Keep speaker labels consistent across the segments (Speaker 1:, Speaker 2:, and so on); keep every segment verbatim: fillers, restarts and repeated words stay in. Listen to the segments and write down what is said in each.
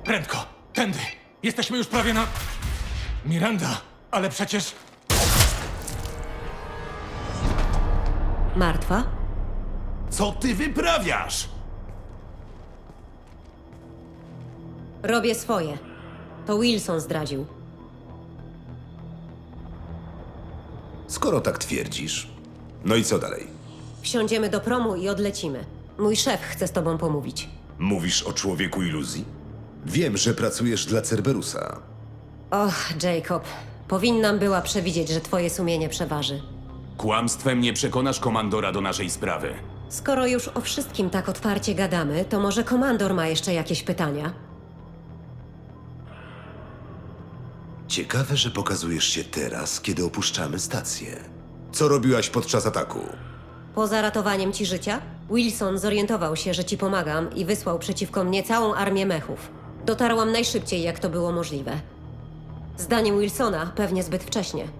Speaker 1: Prędko, tędy. Jesteśmy już prawie na... Miranda, ale przecież...
Speaker 2: Martwa?
Speaker 3: Co ty wyprawiasz?
Speaker 2: Robię swoje. To Wilson zdradził.
Speaker 3: Skoro tak twierdzisz. No i co dalej?
Speaker 2: Wsiądziemy do promu i odlecimy. Mój szef chce z tobą pomówić.
Speaker 3: Mówisz o człowieku iluzji? Wiem, że pracujesz dla Cerberusa.
Speaker 2: Och, Jacob. Powinnam była przewidzieć, że twoje sumienie przeważy.
Speaker 4: Kłamstwem nie przekonasz komandora do naszej sprawy.
Speaker 2: Skoro już o wszystkim tak otwarcie gadamy, to może komandor ma jeszcze jakieś pytania?
Speaker 3: Ciekawe, że pokazujesz się teraz, kiedy opuszczamy stację. Co robiłaś podczas ataku?
Speaker 2: Poza ratowaniem ci życia, Wilson zorientował się, że ci pomagam i wysłał przeciwko mnie całą armię mechów. Dotarłam najszybciej, jak to było możliwe. Zdaniem Wilsona pewnie zbyt wcześnie.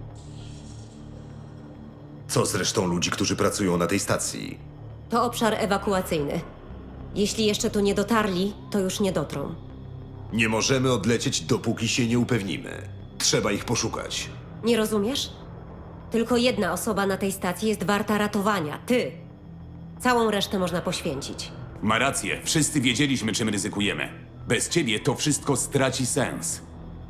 Speaker 3: Co z resztą ludzi, którzy pracują na tej stacji?
Speaker 2: To obszar ewakuacyjny. Jeśli jeszcze tu nie dotarli, to już nie dotrą.
Speaker 3: Nie możemy odlecieć, dopóki się nie upewnimy. Trzeba ich poszukać.
Speaker 2: Nie rozumiesz? Tylko jedna osoba na tej stacji jest warta ratowania. Ty. Całą resztę można poświęcić.
Speaker 4: Ma rację, wszyscy wiedzieliśmy, czym ryzykujemy. Bez ciebie to wszystko straci sens.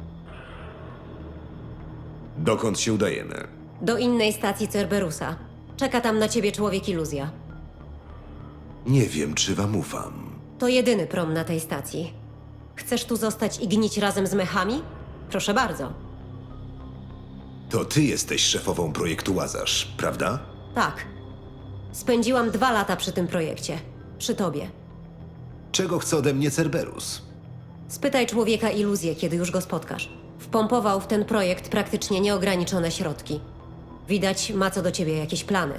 Speaker 3: Dokąd się udajemy?
Speaker 2: Do innej stacji Cerberusa. Czeka tam na ciebie człowiek iluzja.
Speaker 3: Nie wiem, czy wam ufam.
Speaker 2: To jedyny prom na tej stacji. Chcesz tu zostać i gnić razem z mechami? Proszę bardzo.
Speaker 3: To ty jesteś szefową projektu Łazarz, prawda?
Speaker 2: Tak. Spędziłam dwa lata przy tym projekcie. Przy tobie.
Speaker 3: Czego chce ode mnie Cerberus?
Speaker 2: Spytaj człowieka iluzję, kiedy już go spotkasz. Wpompował w ten projekt praktycznie nieograniczone środki. Widać, ma co do ciebie jakieś plany.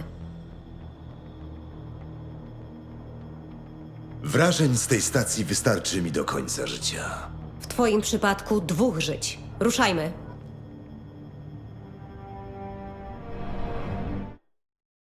Speaker 3: Wrażeń z tej stacji wystarczy mi do końca życia.
Speaker 2: W twoim przypadku dwóch żyć. Ruszajmy.